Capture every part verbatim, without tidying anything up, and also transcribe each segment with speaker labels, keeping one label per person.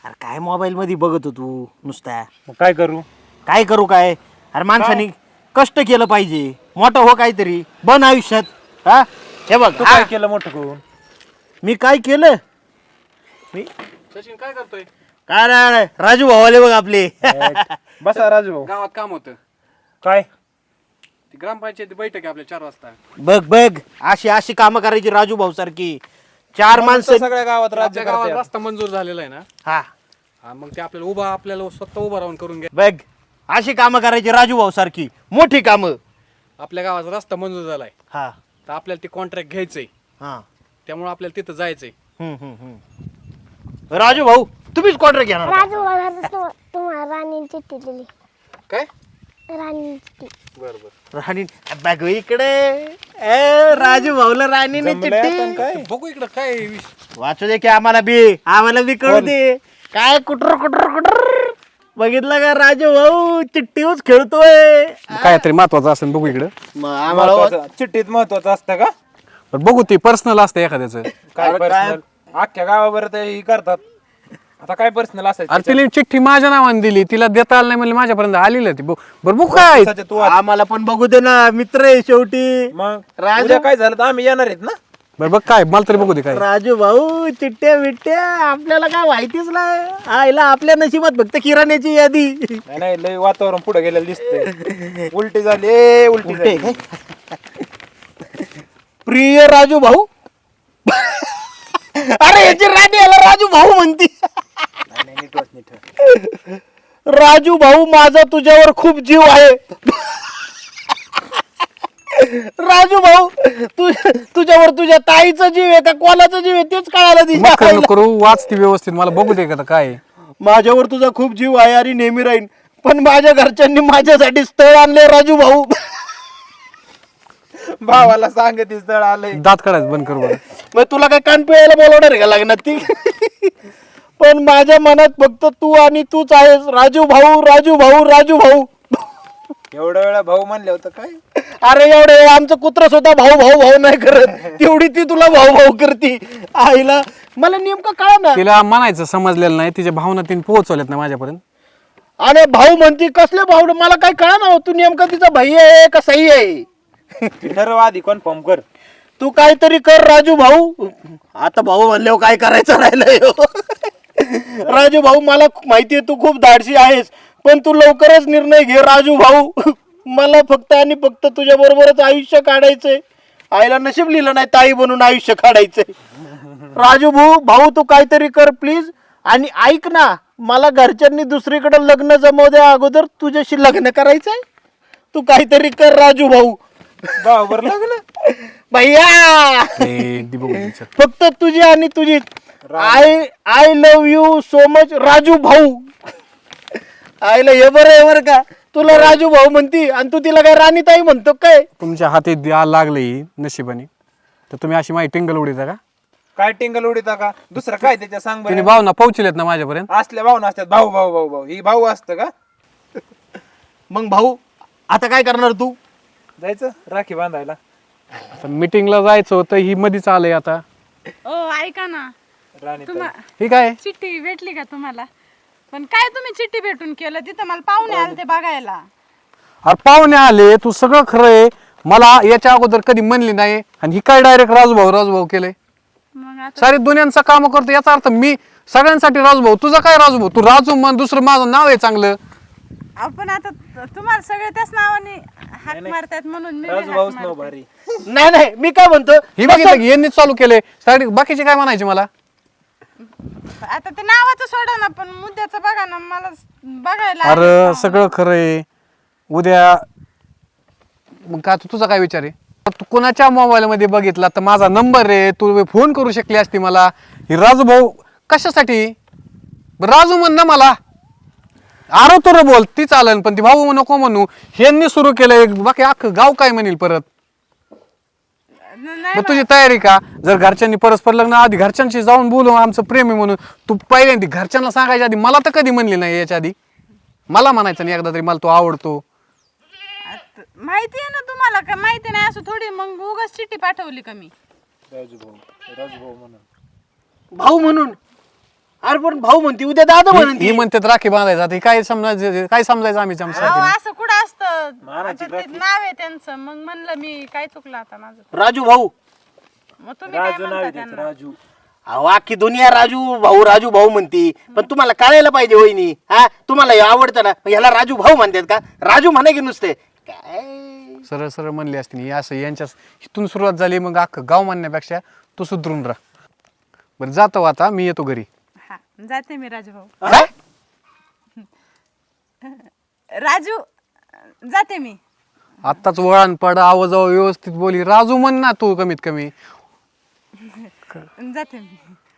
Speaker 1: अरे काय मोबाईल मध्ये बघत तू नुसता
Speaker 2: मग काय करू?
Speaker 1: काय करू काय अरे माणसाने कष्ट केलं पाहिजे मोठं हो काहीतरी बन आयुष्यात हा हे बघ
Speaker 2: तू
Speaker 1: हा,
Speaker 2: काय केलं मोठं करून?
Speaker 1: मी काय केलं मी
Speaker 3: सचिन काय करतोय?
Speaker 1: काय नाही राजू भावाले बघ आपले
Speaker 2: बसा राजू भाऊ.
Speaker 3: गावात काम होतं.
Speaker 2: काय
Speaker 3: ती ग्रामपंचायत बैठक आहे आपल्या चार वाजता.
Speaker 1: बघ बघ अशी अशी कामं करायची राजू भाऊ सारखी चार माणसं
Speaker 2: सगळ्या गावात राज्य
Speaker 3: आपल्या गावात
Speaker 2: करते.
Speaker 3: रस्ता मंजूर झालेला आहे ना.
Speaker 1: हा
Speaker 3: हा, मग ते आपल्याला उभा आपल्याला स्वतः उभा राहून करून घ्या.
Speaker 1: बघ अशी कामं करायची राजू भाऊ सारखी मोठी कामं
Speaker 3: आपल्या गावाचा रस्ता मंजूर झालाय
Speaker 1: हा
Speaker 3: तर आपल्याला ते कॉन्ट्रॅक्ट घ्यायचंय.
Speaker 1: हा
Speaker 3: त्यामुळे आपल्याला तिथं जायचंय.
Speaker 1: हम्म, हम्म, हम्म. राजू भाऊ तुम्हीच कॉन्ट्रॅक्ट घेणार का?
Speaker 4: राजू मला तु- तुम्हाला राणी चिठ्ठी दिली.
Speaker 3: काय?
Speaker 4: राणी चिठ्ठी.
Speaker 3: बर बर
Speaker 1: राणी बघ इकडे ए राजू भाऊला राणीने
Speaker 2: जमलंय आता
Speaker 1: चिठ्ठी
Speaker 2: काय?
Speaker 3: बघू इकडं काय विष-
Speaker 1: वाचू दे की आम्हाला बी आम्हाला बी कळू दे काय कुटर कुटर कुटर बघितलं का राजू भाऊ चिठ्ठीच खेळतोय
Speaker 5: काय तरी महत्वाचं असेल बघू इकडं.
Speaker 1: मग आम्हाला
Speaker 2: महत्वाचं- चिठ्ठीत महत्वाचं असतं का?
Speaker 5: पण बघू ते पर्सनल असतं एखाद्याचं.
Speaker 2: काय
Speaker 1: अरे काय-
Speaker 2: पर्सनल? अख्ख्या गावावर ते ही करतात. आता काय पर्सनल असायचं?
Speaker 5: अरे तिला चिठ्ठी माझ्या नावाने दिली तिला देता आलं नाही म्हणजे माझ्यापर्यंत आलेलं ती बघ- बरं बघू काय
Speaker 2: दिवसाचे तू आज-
Speaker 1: आम्हाला पण बघू दे ना मित्र आहे शेवटी
Speaker 2: मग
Speaker 1: राजू-
Speaker 2: उद्या काय झालं तर आम्ही येणार आहेत ना.
Speaker 5: बरं बघ काय मला तरी बघू दे काय.
Speaker 1: राजू भाऊ चिठ्ठ्या बिट्ट्या आपल्याला काय माहितीच नाही आईला आपल्या नशिबात फक्त किराण्याची यादी
Speaker 2: नाही नाही लय वातावरण पुढे गेलेलं दिसतंय. उलटी झाली ए, उलटी
Speaker 1: उलटे
Speaker 2: झाली.
Speaker 1: प्रिय राजू भाऊ अरे याची राणी याला राजू भाऊ म्हणती
Speaker 2: नाही, नाही, नीट वाच, नीट वाच.
Speaker 1: राजू भाऊ माझा तुझ्यावर खूप जीव आहे राजू भाऊ तू तुझ्यावर तुझ्या ताईचा जीव आहे का कोणाचा जीव आहे तेच कळायला
Speaker 5: मग
Speaker 1: दिसत
Speaker 5: काय नको करू वाच ती व्यवस्थित मला बघू दे का आता काय आहे.
Speaker 1: माझ्यावर तुझा खूप जीव आहे आणि नेहमी राहीन पण माझ्या घरच्यांनी माझ्यासाठी स्थळ आणले राजू भाऊ
Speaker 2: भावाला सांगत स्थळ आलंय.
Speaker 5: दात काढायचं बंद कर बरं.
Speaker 1: मग तुला काय कान पिळायला बोलवणार आहे का लागणार ती पण माझ्या मनात फक्त तू आणि तूच आहेस राजू भाऊ राजू भाऊ राजू भाऊ
Speaker 2: एवढ्या वेळा भाऊ म्हणले होतं काय?
Speaker 1: अरे एवढे आमचं कुत्र सुद्धा भाऊ भाऊ भाऊ नाही करत तेवढी ती तुला भाऊ भाऊ करती आईला मला नेमकं कळा ना
Speaker 5: तिला म्हणायचं समजलेलं नाही तिच्या भावना तिने पोहोचवल्यात ना माझ्यापर्यंत.
Speaker 1: अरे भाऊ म्हणती कसले भाऊ मला काय कळा ना तू नेमका तिचा भाई आहे का सही आहे
Speaker 2: ठरव आधी कन्फर्म कर.
Speaker 1: तू काहीतरी कर राजू भाऊ आता भाऊ म्हणल्यावर काय करायचं राहिलंय हो? राजू भाऊ मला माहितीये तू खूप धाडसी आहेस पण तू लवकरच निर्णय घे राजू भाऊ मला फक्त आणि फक्त तुझ्या बरोबरच आयुष्य काढायचंय आईला नशीब लिहिलं नाही ताई बनून आयुष्य काढायचंय राजू भाऊ भाऊ तू काहीतरी कर प्लीज आणि ऐक ना मला घरच्यांनी दुसरीकडे लग्न जमव द्या अगोदर तुझ्याशी लग्न करायचंय तू काहीतरी कर राजू भाऊ
Speaker 2: भावावर लग्न.
Speaker 1: भैया
Speaker 5: ए, ती बघू दे चल.
Speaker 1: फक्त तुझी आणि तुझी I I love you so much Raju भाऊ आईला हे बरं आहे बरं का तुला राजू भाऊ म्हणती आणि तू तिला काय राणीताई म्हणतो काय
Speaker 5: तुमच्या हाती द्या लागले नशिबाने तर तुम्ही अशी माहिती टिंगल उडीता का.
Speaker 2: काय टिंगल उडीता का? दुसरं काय त्याच्या सांग
Speaker 5: तिने
Speaker 2: बरं.
Speaker 5: भावना पोहोचलेत ना माझ्यापर्यंत.
Speaker 2: असल्या भाऊ नसतात भाऊ भाऊ भाऊ भाऊ ही भाऊ असतं का?
Speaker 1: मग भाऊ आता काय करणार तू
Speaker 2: जायचं राखी बांधायला.
Speaker 5: मीटिंगला जायचं होतं ही मधीच आलंय आता.
Speaker 6: ओ ऐका ना
Speaker 2: राणी
Speaker 6: तुम्हा
Speaker 5: ही काय
Speaker 6: चिठ्ठी भेटली का तुम्हाला? पण काय तुम्ही चिठ्ठी भेटून केलं तिथं मला पाहुणे आले ते बघायला.
Speaker 5: अरे पाहुणे आले तू सगळं खरं आहे मला याच्या अगोदर कधी म्हणली नाही आणि ही काय डायरेक्ट राजूभाऊ राजूभाऊ केलंय.
Speaker 6: मग आता
Speaker 5: सारी दुनियांचं काम करतो याचा अर्थ मी सगळ्यांसाठी राजूभाऊ तुझा काय राजूभाऊ तू राजू म्हण दुसरं माझं नाव आहे चांगलं.
Speaker 6: आपण आता तुम्हाला सगळे त्याच नावाने हाक मारतात म्हणून मी
Speaker 2: राजू
Speaker 6: बी
Speaker 2: भाऊच
Speaker 6: हाक
Speaker 2: नाव
Speaker 6: मारते.
Speaker 2: भारी.
Speaker 1: नाही नाही मी काय म्हणतो
Speaker 5: ही बघितलं की यांनीच चालू केलंय साडी बाकीचे काय म्हणायचे मला.
Speaker 6: आता ते नावाचं सोडा ना पण मुद्द्याचं बघा ना मला बघायला
Speaker 5: अरे
Speaker 6: आले.
Speaker 5: सगळं खरं आहे उद्या मग का तू तुझा काय विचार आहे तू कोणाच्या मोबाईल मध्ये बघितला तर माझा नंबर आहे तू फोन करू शकली असती मला. ही राजू भाऊ कशासाठी राजू म्हण ना मला आरो तर बोल ती चालन पण ती भाऊ नको म्हणू ह्यांनी सुरू केलंय बाकी अख्खं गाव काय म्हणेल परत.
Speaker 6: न- नाही
Speaker 5: मग तुझी तयारी का जर घरच्यांनी परस्पर लग्न आधी घरच्यांशी जाऊन बोलू आमचं प्रेम आहे म्हणून तू पहिल्यांदा घरच्यांना सांगायच्या आधी मला तर कधी म्हणली नाही याच्या आधी मला म्हणायचं नाही एकदा तरी मला तो आवडतो.
Speaker 6: आता माहिती आहे ना तुम्हाला का माहिती नाही असं थोडी मग उगाच चिठ्ठी पाठवली का मी.
Speaker 2: राजू भाऊ राजू भाऊ म्हणून
Speaker 1: भाऊ म्हणून अरे पण भाऊ म्हणते उद्या दादा
Speaker 5: ही
Speaker 1: म्हणते
Speaker 5: म्हणतात राखी बांधायचं आता हे काय समजायचं काय समजायचं आम्ही
Speaker 6: अहो,
Speaker 5: आमच्या
Speaker 6: असं कुठं असतं आता ते नाव आहे त्यांचं मग म्हणलं मी काय चुकलं आता माझं
Speaker 1: राजू भाऊ
Speaker 6: मग तुम्ही काय म्हणता त्यांना
Speaker 2: राजू
Speaker 1: अहो अख्खी दुनिया राजू भाऊ राजू भाऊ म्हणती पण तुम्हाला कळायला पाहिजे वहिनी हा तुम्हाला हे आवडतं ना मग ह्याला राजू भाऊ म्हणतात का राजू म्हणा की नुसते काय
Speaker 5: सरळ सरळ म्हणली असती ही असं यांच्या इथून सुरुवात झाली मग अख्खं गाव म्हणण्यापेक्षा तू सुधरून राह बरं जातो आता मी येतो घरी
Speaker 6: हा जाते मी राजू भाऊ
Speaker 1: हा?
Speaker 6: राजू जाते मी
Speaker 5: आत्ताच वळण पड आवाज व्यवस्थित बोली राजू म्हण ना तू कमीत कमी
Speaker 6: जाते मी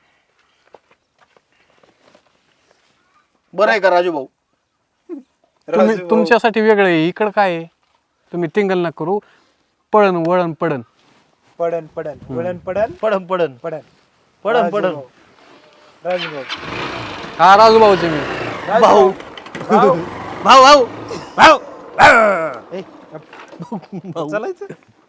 Speaker 1: बरं आहे का राजू भाऊ
Speaker 5: तुम्ही तुमच्यासाठी वेगळं आहे इकडं काय आहे तुम्ही टिंगल ना करू पळण वळण पडण
Speaker 2: पडन पडन पडन पडन
Speaker 1: पडन पडन
Speaker 2: पडन
Speaker 1: पडन पडन
Speaker 2: राजू भाऊ
Speaker 5: हा राजू भाऊचे मी
Speaker 1: भाऊ भाऊ भाऊ भाऊ
Speaker 2: ए, चालायचं